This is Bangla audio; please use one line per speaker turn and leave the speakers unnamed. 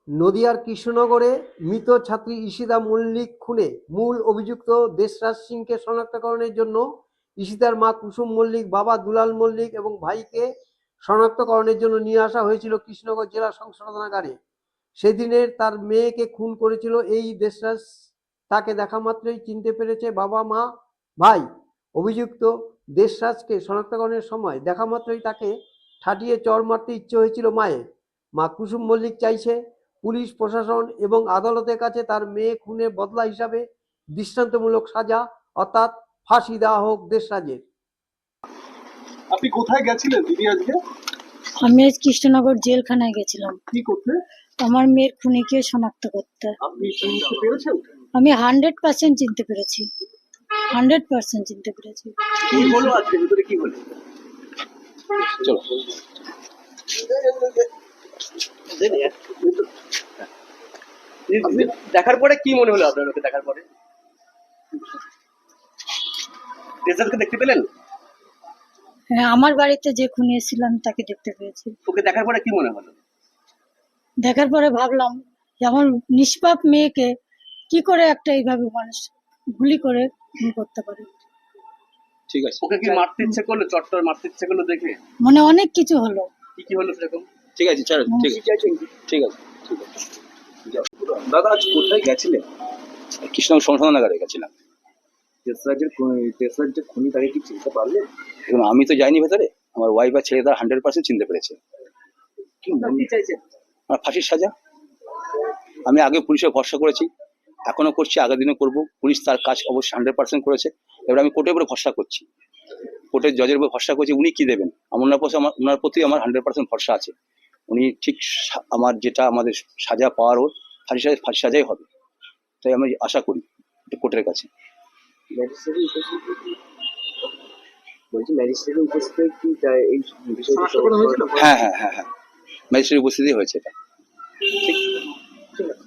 নদিয়ার কৃষ্ণনগরে মৃত ছাত্রী ঈশিতা মল্লিক খুনে মূল অভিযুক্ত দেশরাজ সিংকে শনাক্তকরণের জন্য ঈশিতার মা কুসুম মল্লিক, বাবা দুলাল মল্লিক এবং ভাইকে শনাক্তকরণের জন্য নিয়ে আসা হয়েছিল কৃষ্ণনগর জেলা সংশোধনাগারে। সেদিনের তার মেয়েকে খুন করেছিল এই দেশরাজ। তাকে দেখা মাত্রই চিনতে পেরেছে বাবা, মা, ভাই। অভিযুক্ত দেশরাজকে শনাক্তকরণের সময় দেখা মাত্রই তাকে ঠাটিয়ে চড় মারতে ইচ্ছে হয়েছিল মায়ের। মা কুসুম মল্লিক চাইছে পুলিশ প্রশাসন এবং আদালতের কাছে তার মেয়ে খুনের বদলা হিসাবে দৃষ্টান্তমূলক সাজা অর্থাৎ ফাঁসি দেওয়া হোক দেশরাজের।
আপনি কোথায় গেছিলেন দিদি আজকে?
আমি আজ কৃষ্ণনগর জেলখানায় গেছিলাম
কি করতে?
আমার মেয়ের খুনিকে শনাক্ত করতে।
আপনি চিনতে পেরেছেন?
আমি 100% চিনতে পেরেছি, 100% চিনতে পেরেছি।
কি হলো আজকে, ভিতরে কি হলো? চলো দেখার পরে কি মনে হলো আপনার? ওকে দেখার পরে রেজাল্টকে দেখতে পেলেন?
হ্যাঁ, আমার বাড়িতে যে খুনি এসেছিল আমি তাকে দেখতে পেয়েছি।
ওকে দেখার পরে কি মনে হলো?
দেখার পরে ভাবলাম যে আমার নিষ্পাপ মেয়েকে কি করে একটা এইভাবে মানুষ গুলি করে খুন করতে পারে।
ঠিক আছে, ওকে কি মারতে ইচ্ছে করলো? চট্টর মারতে ইচ্ছে করলো দেখে
মানে অনেক কিছু হলো।
কি হলো সেরকম? ঠিক আছে, চলো। ঠিক আছে, ঠিক আছে, ঠিক আছে। দাদা আজ কোথায় গেছিলেন?
কৃষ্ণনগর সংশোধনাগারে গেছিলাম।
দেশরাজ যে খুনি তাকে কি চিনতে পারলেন?
এবং আমি তো যাইনি ভেতরে, আমার ওয়াইফ আর ছেলে তারা 100% চিনতে পেরেছে।
কি চাইছেন?
আমার ফাঁসির সাজা। আমি আগে পুলিশে ভরসা করেছি, এখনো করছি, আগের দিনে করবো। পুলিশ তার কাজ অবশ্যই 100% করেছে। এবার আমি কোর্টের উপরে ভরসা করছি, কোর্টের জজের উপর ভরসা করছি, উনি কি দেবেন। ওনার প্রতি আমার 100% ভরসা আছে। উনি ঠিক আমার যেটা আমাদের সাজা পাওয়ার ওর ফাঁসি সাজাই হবে, তাই আমি আশা করি কোর্টের কাছে। হ্যাঁ হ্যাঁ হ্যাঁ হ্যাঁ, ম্যাজিস্ট্রেটের উপস্থিতি হয়েছে এটা। ঠিক।